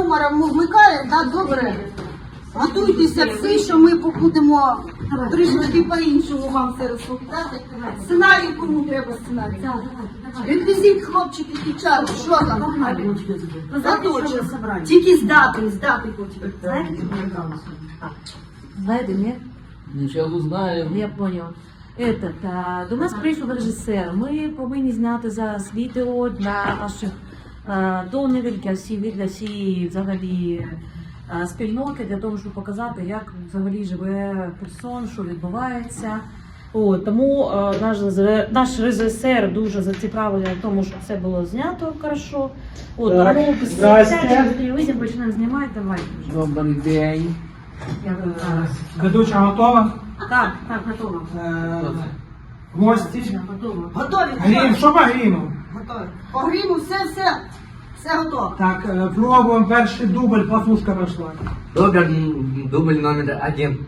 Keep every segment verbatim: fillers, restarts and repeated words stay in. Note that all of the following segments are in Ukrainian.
юмора вмикає, да, добре. Готуйтеся всі, що ми будемо трішки по-іншому вам все розповідати. Сценарій, кому треба сценарій. Реквізит, хлопчики, дівчата, що там? Заточено. Тільки здати, здати потім. Знаєте, ні? Нічого знаю. Я понял. Этот, а, до нас прийшов режисер. Ми повинні зняти зараз відео для наших а, донорів, для всі, для всі взагалі а, спільноти, для того, щоб показати, як взагалі живе Херсон, що відбувається. О, тому а, наш, наш режисер дуже зацікавлений в тому, щоб все було знято хорошо. От, Так, тому здрасте. телевізор почнемо знімати, давай. Добрий день. Я говорю, зараз. Ведуча готова? Так, так, готово. Е, Гості. Готово. Готові? Грім, що по гріму? Готові. По гриму все, все. Все готово. Так, е, пробуємо перший дубль, пафушка пішла. Добре, дубль номер один.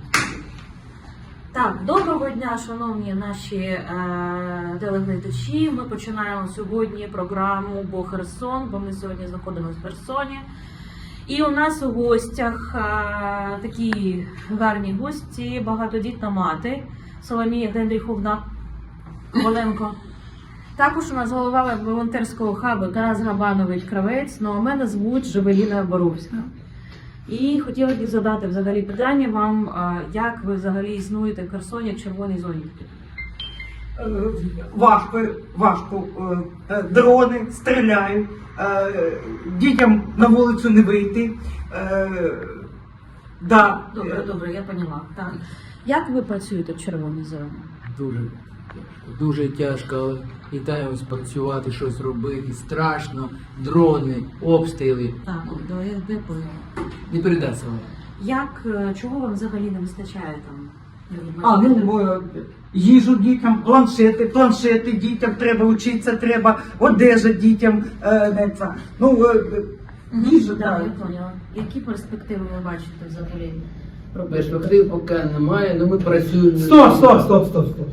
Так, доброго дня, шановні наші е, телеглядачі. Ми починаємо сьогодні програму «Бо Херсон», бо ми сьогодні знаходимося в Херсоні. І у нас у гостях е, такі гарні гості, багатодітна мати Соломія Генріховна Коваленко. Також у нас голова волонтерського хабу Тарас Габанович Кравець, ну а мене звуть Жевеліна Боровська. І хотіла б задати взагалі питання вам, е, як ви взагалі існуєте в Херсоні в червоній зоні? Е, Важко, важко. Е, е, Дрони стріляють, е, дітям на вулицю не вийти. Е, да. Добре, добре, я поняла. Так. Як ви працюєте в червоній зоні? Дуже, дуже тяжко. Вітаємось працювати, щось робити. Страшно. Дрони, обстріли. Так, до я де поняла. Не передаться вам. Як, е, чого вам взагалі не вистачає там? А, ну, е, їжу дітям, планшети, планшети дітям, треба вчитися, треба одежа дітям. Е, не це. Ну, е, їжа, Так, так. я поняла. Які перспективи ви бачите взагалі? Перспектив поки немає, але ми працюємо. Стоп, стоп, стоп, стоп, стоп.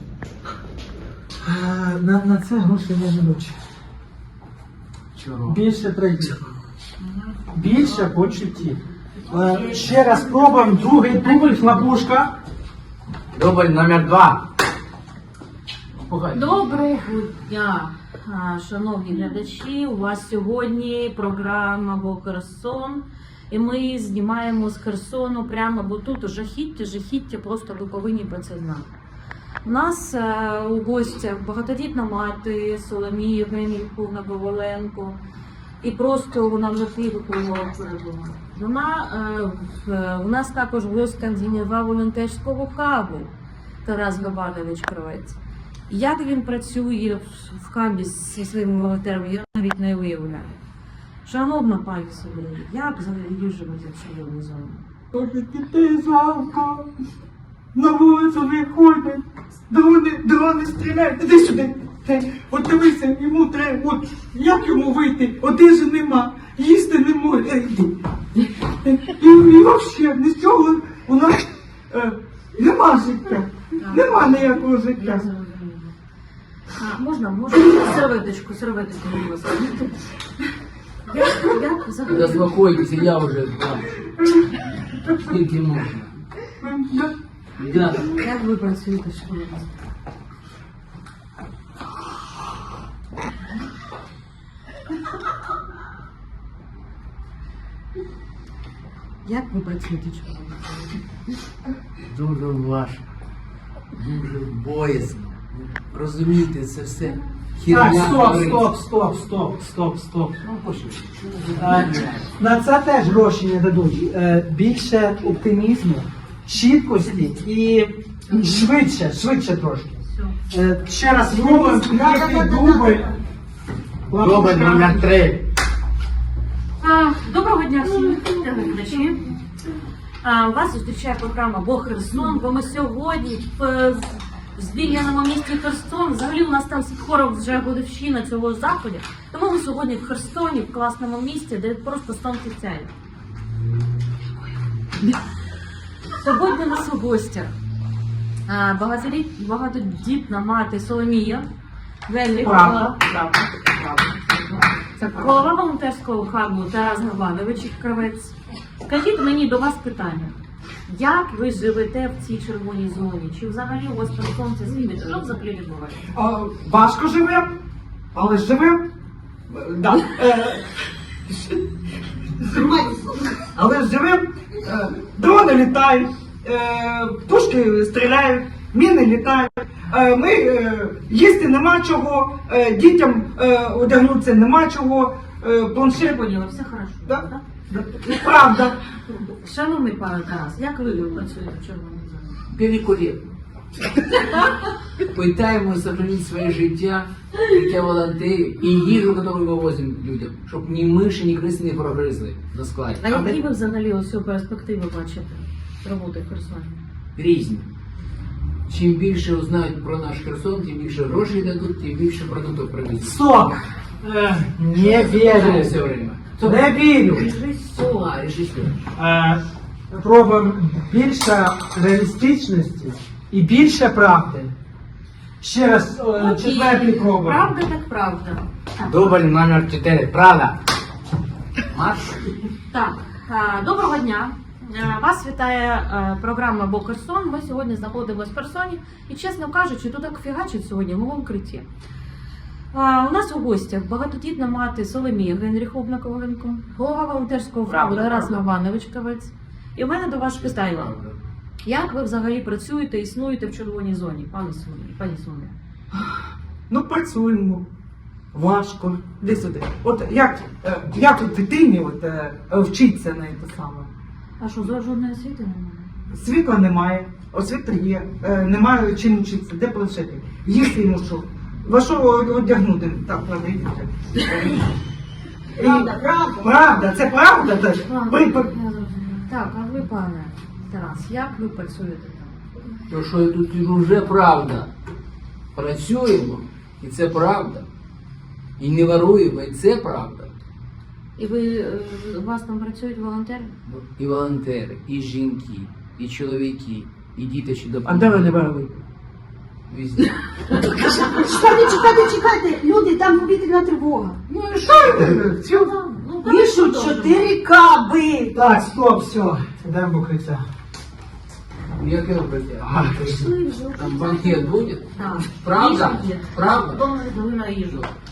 Е, На, на це гроші я не бачу. Чого? Більше трагедії. Більше почуттів. Е, Ще раз пробуємо другий дубль, хлопушка. Дубль номер два. Погано. Доброго дня, а, шановні глядачі. У вас сьогодні програма «Бо Херсон». І ми знімаємо з Херсону прямо, бо тут жахіття, жахіття, просто ви повинні про це знати. У нас е, у гостях багатодітна мати Соломія Генріховна Коваленко. І просто вона вже ти виховувала перебула. Вона, е, в- у нас також в гостях голова волонтерського хабу Тарас Габанович Кравець. Як він працює в, в хабі зі своїми волонтерами, я навіть не уявляю. Шановна пані Соломія, як взагалі живете в червоній зоні? Тобі дітей жалко. На вулицю не ходять. Дрони, дрони стріляють. Іди сюди. Ти, от дивися, йому треба. От як йому вийти? Одежі нема, їсти не може. Е, Іди. І, і взагалі, ні з чого у нас е, нема життя. Нема ніякого Я життя. зрозуміла. А, можна, можна серветочку, серветочку, будь ласка. Як, як взагалі? Заспокойтеся, я вже там. Скільки можна. Да. Як ви працюєте в школі? Як ви працюєте в школі? Дуже важко. Дуже боязно. Розумієте, це все хірня. Так, стоп, твориться. стоп, стоп, стоп, стоп, стоп. Е, На це теж гроші не дадуть. Е, Більше оптимізму, чіткості і швидше, швидше трошки. Все. Е, Ще раз спробуємо третій дубль. Дубль номер три. А, Доброго дня всім телеглядачі. А, Вас зустрічає програма «Бо Херсон», бо ми сьогодні в в звільненому місті Херсон. Взагалі у нас там скоро вже годовщина цього заходу. Тому ми сьогодні в Херсоні, в класному місті, де просто сонце сяє. Сьогодні у нас у гостях а, багатодіт- багатодітна мати Соломія Генріховна. Правда, правда, правда. Це голова волонтерського хабу Тарас Габанович Кравець. Скажіть мені до вас питання. Як ви живете в цій червоній зоні? Чи взагалі у вас при сонці світить? Що взагалі відбувається? А, важко живем, але живем. Да. Е, але живем. Е, дрони літають, е, птушки стріляють, міни літають. Е, ми е, їсти нема чого, е, дітям е, одягнутися нема чого, е, планшет. Поняла, все хорошо. Да. так? Да. Правда. Шановний пане Тарас, як ви працюєте в червоній зоні? Великолепно. Пытаемся сохранить своє життя, життя волонтерів і їжу, яку ми вивозимо людям, щоб ні миші, ні криси не прогризли на складі. А які ви взагалі ось цю перспективу бачите роботи в Херсоні? Різні. Чим більше узнають про наш Херсон, тим більше грошей дадуть, тим більше продуктів привезуть. Стоп! Е, не Все вірю. время. Не вірю. Режисер. А, режисер. Е, Пробуємо більше реалістичності і більше правди. Ще раз, е, четвертий пробуємо. Правда так правда. Дубль номер чотири. Правда. Марш. Так, е, доброго дня. Е, Вас вітає е, програма «Бо Херсон». Ми сьогодні знаходимося в Херсоні і, чесно кажучи, тут так фігачить сьогодні в моєму укритті. Е, У нас у гостях багатодітна мати Соломія Генріховна Коваленко, голова волонтерського фонду Правда, Тарас правда. Габанович Кравець. І в мене до вас питання. Як ви взагалі працюєте, існуєте в червоній зоні, пане Соломія? Пані Соломія? Ну, працюємо. Важко. Де сюди. От як, е, як от дитині от, е, вчиться на те саме? А що, за жодної освіти немає? Світла немає, освіта є, е, немає чим вчитися, де планшети. Їсти йому що? Во що одягнути? Так, ладно, йдіть. Правда, правда. Правда, це правда теж. Ладно, Ви- я ви- зрозуміла. Так, а ви, пане Тарас, як ви працюєте там? То, що тут вже правда. Працюємо, і це правда. І не воруємо, і це правда. І ви, е, у вас там працюють волонтери? І волонтери, і жінки, і чоловіки, і діти ще А допомагають. де ви не брали? Везде. Чекайте, чекайте, чекайте, люди, там повітряна тривога. Ну і що? Все. Ну, Пишуть чотири каби. Так, стоп, все. Йдемо в укриття. Яке укриття? Ага. пішли вже. Там банкет буде? Так. Правда? Їжа є. Правда? Дома на їжу.